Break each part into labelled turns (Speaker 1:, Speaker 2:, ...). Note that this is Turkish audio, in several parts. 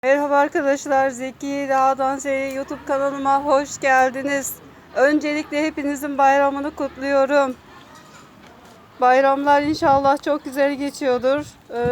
Speaker 1: Merhaba arkadaşlar, Zeki Dağdan Z'ye YouTube kanalıma hoş geldiniz. Öncelikle hepinizin bayramını kutluyorum. Bayramlar inşallah çok güzel geçiyordur.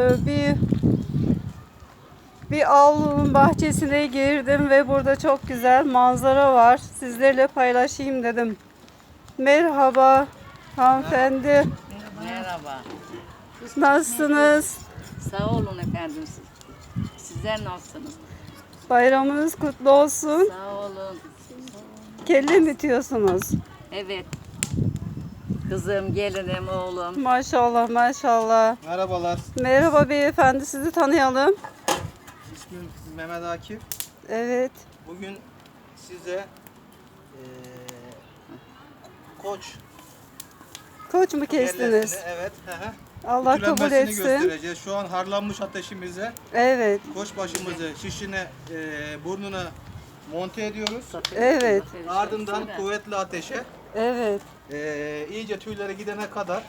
Speaker 1: Bir avlunun bahçesine girdim ve burada çok güzel manzara var. Sizlerle paylaşayım dedim. Merhaba hanımefendi.
Speaker 2: Merhaba.
Speaker 1: Nasılsınız?
Speaker 2: Sağ olun efendim. Sizler nasılsınız?
Speaker 1: Bayramınız kutlu olsun.
Speaker 2: Sağ olun.
Speaker 1: Kelle mi diyorsunuz?
Speaker 2: Evet. Kızım, gelinim, oğlum.
Speaker 1: Maşallah maşallah.
Speaker 3: Merhabalar.
Speaker 1: Merhaba beyefendi, sizi tanıyalım.
Speaker 3: İsmim Mehmet Akif.
Speaker 1: Evet.
Speaker 3: Bugün size koç
Speaker 1: Koç mu kestiniz?
Speaker 3: kellesini, evet,
Speaker 1: Allah kabul
Speaker 3: ütülenmesini
Speaker 1: etsin.
Speaker 3: göstereceğiz. Şu an harlanmış ateşimize
Speaker 1: Evet.
Speaker 3: koç başımızı şişine, burnuna monte ediyoruz.
Speaker 1: Evet.
Speaker 3: Ardından kuvvetli ateşe
Speaker 1: Evet.
Speaker 3: iyice tüyleri gidene kadar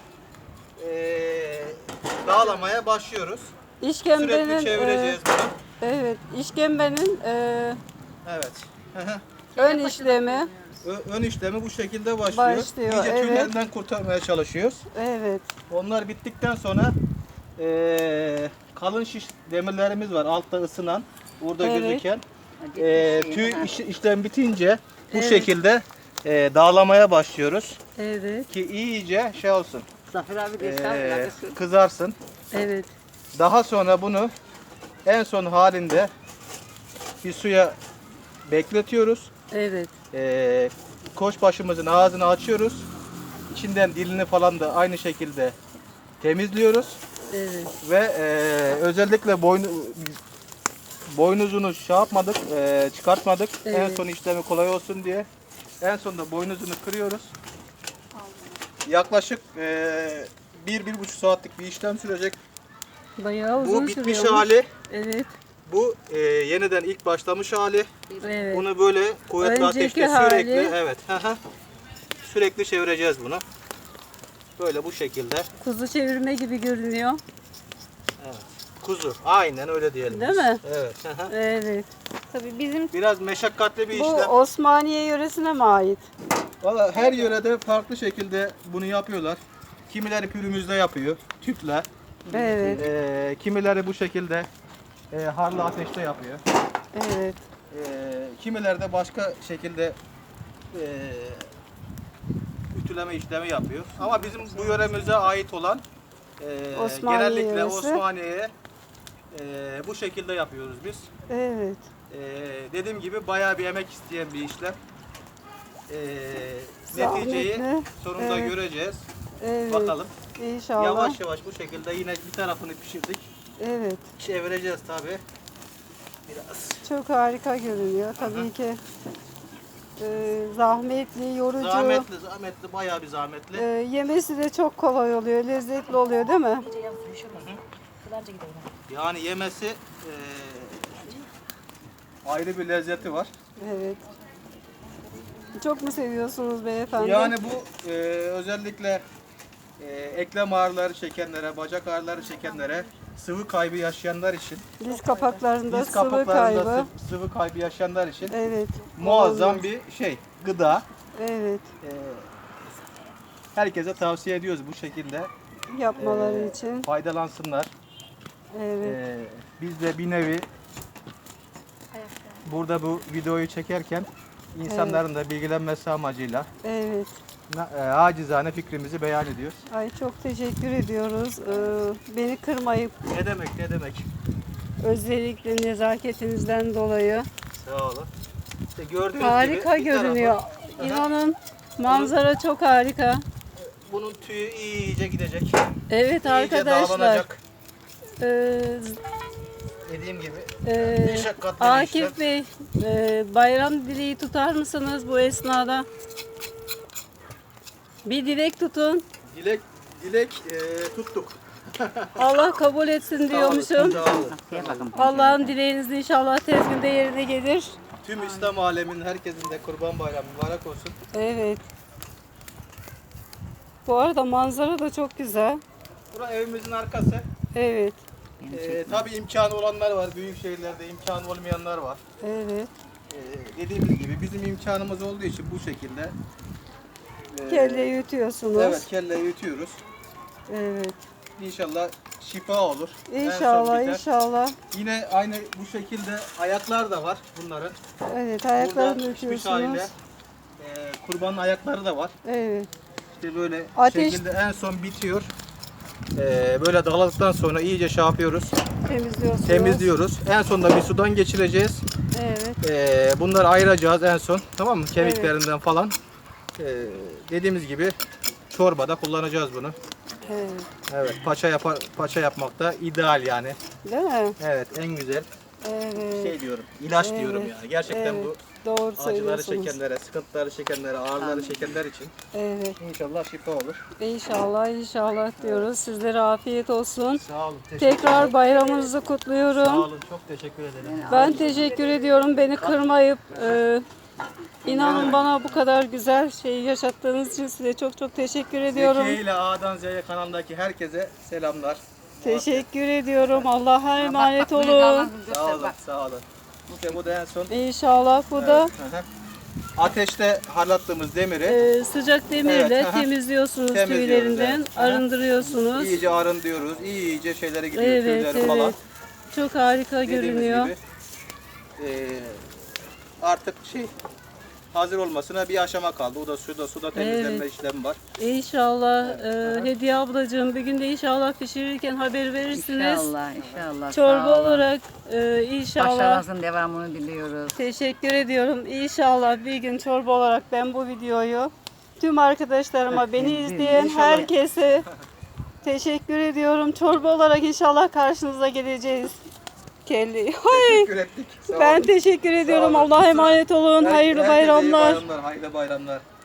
Speaker 3: dağlamaya başlıyoruz. Sürekli
Speaker 1: İşkembenin
Speaker 3: çevireceğiz bunu.
Speaker 1: evet, işkembenin
Speaker 3: Evet.
Speaker 1: ön işlemi.
Speaker 3: Ön işlemi bu şekilde başlıyor.
Speaker 1: Başlıyor,
Speaker 3: İyice
Speaker 1: evet.
Speaker 3: tüylerinden kurtarmaya çalışıyoruz.
Speaker 1: Evet.
Speaker 3: Onlar bittikten sonra kalın şiş demirlerimiz var altta ısınan, burada
Speaker 1: Evet.
Speaker 3: gözüken.
Speaker 2: Hadi
Speaker 3: Tüy işlem bitince bu
Speaker 1: Evet.
Speaker 3: şekilde dağlamaya başlıyoruz
Speaker 1: Evet.
Speaker 3: ki iyice şey olsun,
Speaker 2: Zafer abi de
Speaker 3: kızarsın.
Speaker 1: Evet.
Speaker 3: Daha sonra bunu en son halinde bir suya bekletiyoruz.
Speaker 1: Evet.
Speaker 3: Koç başımızın ağzını açıyoruz. İçinden dilini falan da aynı şekilde temizliyoruz.
Speaker 1: Evet.
Speaker 3: Ve özellikle boynuzunu şey yapmadık, çıkartmadık. En
Speaker 1: Evet.
Speaker 3: son işlemi kolay olsun diye. En sonunda boynuzunu kırıyoruz. Yaklaşık 1-1,5 saatlik bir işlem sürecek.
Speaker 1: Bayağı uzun
Speaker 3: Bu bitmiş
Speaker 1: sürüyormuş.
Speaker 3: hali,
Speaker 1: Evet.
Speaker 3: bu yeniden ilk başlamış hali.
Speaker 1: Evet.
Speaker 3: Bunu böyle kuvvetli
Speaker 1: Önceki
Speaker 3: ateşte sürekli,
Speaker 1: hali.
Speaker 3: evet, sürekli çevireceğiz bunu. Böyle bu şekilde.
Speaker 1: Kuzu çevirme gibi görünüyor.
Speaker 3: Evet. Kuzu. Aynen öyle diyelim.
Speaker 1: Değil
Speaker 3: biz.
Speaker 1: mi?
Speaker 3: Evet.
Speaker 1: Evet. Tabii bizim
Speaker 3: Biraz meşakkatli bir
Speaker 1: bu
Speaker 3: işlem.
Speaker 1: Osmaniye yöresine mi ait?
Speaker 3: Valla her yörede farklı şekilde bunu yapıyorlar. Kimileri pürümüzde yapıyor, tüple.
Speaker 1: Evet.
Speaker 3: Kimileri bu şekilde harlı ateşte yapıyor.
Speaker 1: Evet.
Speaker 3: Kimileri de başka şekilde ütüleme işlemi yapıyor. Ama bizim bu yöremize ait olan
Speaker 1: Osmaniye
Speaker 3: genellikle
Speaker 1: yöresi.
Speaker 3: Osmaniye'ye bu şekilde yapıyoruz biz.
Speaker 1: Evet.
Speaker 3: Dediğim gibi bayağı bir emek isteyen bir işlem. Neticeyi
Speaker 1: Zahmetli.
Speaker 3: sonunda
Speaker 1: Evet.
Speaker 3: göreceğiz.
Speaker 1: Evet.
Speaker 3: Bakalım.
Speaker 1: İnşallah.
Speaker 3: Yavaş yavaş bu şekilde yine bir tarafını pişirdik.
Speaker 1: Evet.
Speaker 3: Çevireceğiz tabi. Biraz.
Speaker 1: Çok harika görünüyor. Tabii ki zahmetli, yorucu.
Speaker 3: Zahmetli, bayağı bir zahmetli.
Speaker 1: Yemesi de çok kolay oluyor. Lezzetli oluyor değil mi?
Speaker 3: Yani yemesi ayrı bir lezzeti var.
Speaker 1: Evet. Çok mu seviyorsunuz beyefendi?
Speaker 3: Yani bu özellikle eklem ağrıları çekenlere, bacak ağrıları çekenlere, sıvı kaybı yaşayanlar için,
Speaker 1: Diz kapaklarında
Speaker 3: diz
Speaker 1: sıvı
Speaker 3: kapaklarında
Speaker 1: kaybı.
Speaker 3: sıvı kaybı yaşayanlar için
Speaker 1: Evet.
Speaker 3: muazzam
Speaker 1: olabilir.
Speaker 3: bir şey, gıda.
Speaker 1: Evet.
Speaker 3: Herkese tavsiye ediyoruz bu şekilde
Speaker 1: Yapmaları için.
Speaker 3: faydalansınlar.
Speaker 1: Evet.
Speaker 3: Biz de bir nevi burada bu videoyu çekerken insanların da bilgilenmesi amacıyla
Speaker 1: Evet.
Speaker 3: acizane fikrimizi beyan ediyoruz.
Speaker 1: Ay çok teşekkür ediyoruz. Beni kırmayıp
Speaker 3: Ne demek, ne demek.
Speaker 1: özellikle nezaketinizden dolayı.
Speaker 3: Sağ olun. İşte gördüğünüz
Speaker 1: Harika
Speaker 3: gibi bir
Speaker 1: görünüyor.
Speaker 3: tarafı-
Speaker 1: İnanın manzara çok harika.
Speaker 3: Bunun tüyü iyice gidecek.
Speaker 1: Evet
Speaker 3: İyice
Speaker 1: arkadaşlar.
Speaker 3: dağlanacak.
Speaker 1: Ee,
Speaker 3: Dediğim gibi
Speaker 1: e,
Speaker 3: meşakkatli bir işlem.
Speaker 1: Akif Bey, bayram dileği tutar mısınız bu esnada? Bir dilek tutun.
Speaker 3: Dilek tuttuk.
Speaker 1: Allah kabul etsin diyormuşum.
Speaker 3: Sağ olun.
Speaker 1: Allah'ın dileğiniz inşallah tez günde yerine gelir.
Speaker 3: Tüm İslam aleminin herkesin de Kurban Bayramı mübarek olsun.
Speaker 1: Evet. Bu arada manzara da çok güzel.
Speaker 3: Burası evimizin arkası.
Speaker 1: Evet.
Speaker 2: Beni çekme.
Speaker 3: Tabii imkanı olanlar var. Büyük şehirlerde imkanı olmayanlar var.
Speaker 1: Evet.
Speaker 3: Dediğimiz gibi bizim imkanımız olduğu için bu şekilde
Speaker 1: Kelle yutuyorsunuz.
Speaker 3: evet, kelleyi yutuyoruz.
Speaker 1: Evet.
Speaker 3: İnşallah şifa olur. En son
Speaker 1: İnşallah
Speaker 3: biter.
Speaker 1: inşallah.
Speaker 3: Yine aynı bu şekilde ayaklar da var bunların.
Speaker 1: Evet
Speaker 3: Burada
Speaker 1: ayaklarını
Speaker 3: pişmiş
Speaker 1: yutuyorsunuz.
Speaker 3: haliyle kurbanın ayakları da var.
Speaker 1: Evet.
Speaker 3: İşte böyle
Speaker 1: Ateş-
Speaker 3: şekilde en son bitiyor. Böyle dağladıktan sonra iyice şey yapıyoruz.
Speaker 1: Temizliyorsunuz.
Speaker 3: Temizliyoruz. En sonunda bir sudan geçireceğiz.
Speaker 1: Evet.
Speaker 3: Bunları ayıracağız en son. Tamam mı? Kemiklerinden falan. Dediğimiz gibi çorbada kullanacağız bunu.
Speaker 1: Evet.
Speaker 3: Evet, paça yapmak da ideal yani.
Speaker 1: Değil mi?
Speaker 3: Evet, en güzel
Speaker 1: Evet.
Speaker 3: şey diyorum. İlaç
Speaker 1: Evet.
Speaker 3: diyorum yani. Gerçekten
Speaker 1: Evet.
Speaker 3: bu
Speaker 1: Doğru
Speaker 3: acıları
Speaker 1: söylüyorsunuz.
Speaker 3: çekenlere, sıkıntıları çekenlere, ağrıları çekenler için
Speaker 1: Evet.
Speaker 3: inşallah şifa olur.
Speaker 1: İnşallah inşallah diyoruz. Sizlere afiyet olsun.
Speaker 3: Sağ olun.
Speaker 1: Tekrar bayramınızı
Speaker 3: Sağ
Speaker 1: kutluyorum.
Speaker 3: olun. Çok teşekkür ederim.
Speaker 1: Ben teşekkür ediyorum. Beni kırmayıp inanın bana bu kadar güzel şeyi yaşattığınız için size çok çok teşekkür ediyorum.
Speaker 3: Zekiye ile A'dan Z'ye kanalındaki herkese selamlar.
Speaker 1: Teşekkür ediyorum. Allah'a emanet
Speaker 2: buraya
Speaker 1: olun.
Speaker 2: damat göster,
Speaker 3: Sağ olun.
Speaker 2: bak.
Speaker 3: Sağ olun. İşte bu da en son.
Speaker 1: İnşallah bu da
Speaker 3: Evet, hı hı. Ateşte harlattığımız demiri
Speaker 1: sıcak demirle
Speaker 3: Evet, aha.
Speaker 1: temizliyorsunuz
Speaker 3: Temizliyoruz,
Speaker 1: tüylerinden,
Speaker 3: evet. Aha.
Speaker 1: arındırıyorsunuz.
Speaker 3: iyice arındırıyoruz. İyice şeylere gidiyor.
Speaker 1: Evet,
Speaker 3: Tüyleri falan.
Speaker 1: evet. Çok harika
Speaker 3: Dediğimiz
Speaker 1: görünüyor.
Speaker 3: gibi, artık hazır olmasına bir aşama kaldı. O da suda temizlenme
Speaker 1: Evet.
Speaker 3: işlemi var.
Speaker 1: İnşallah Hediye ablacığım bir gün de inşallah pişirirken haber verirsiniz.
Speaker 2: İnşallah, inşallah.
Speaker 1: Çorba
Speaker 2: sağ olun.
Speaker 1: olarak inşallah.
Speaker 2: Başarınızın devamını diliyoruz.
Speaker 1: Teşekkür ediyorum. İnşallah bir gün çorba olarak ben bu videoyu tüm arkadaşlarıma, beni izleyen
Speaker 3: İnşallah.
Speaker 1: herkese teşekkür ediyorum. Çorba olarak inşallah karşınıza geleceğiz. Kelly.
Speaker 3: Teşekkür ettik. Sağ
Speaker 1: Ben
Speaker 3: olun.
Speaker 1: teşekkür ediyorum.
Speaker 3: olun.
Speaker 1: Allah'a emanet olun. Hayırlı
Speaker 3: Herkese iyi
Speaker 1: bayramlar.
Speaker 3: bayramlar. Hayırlı bayramlar.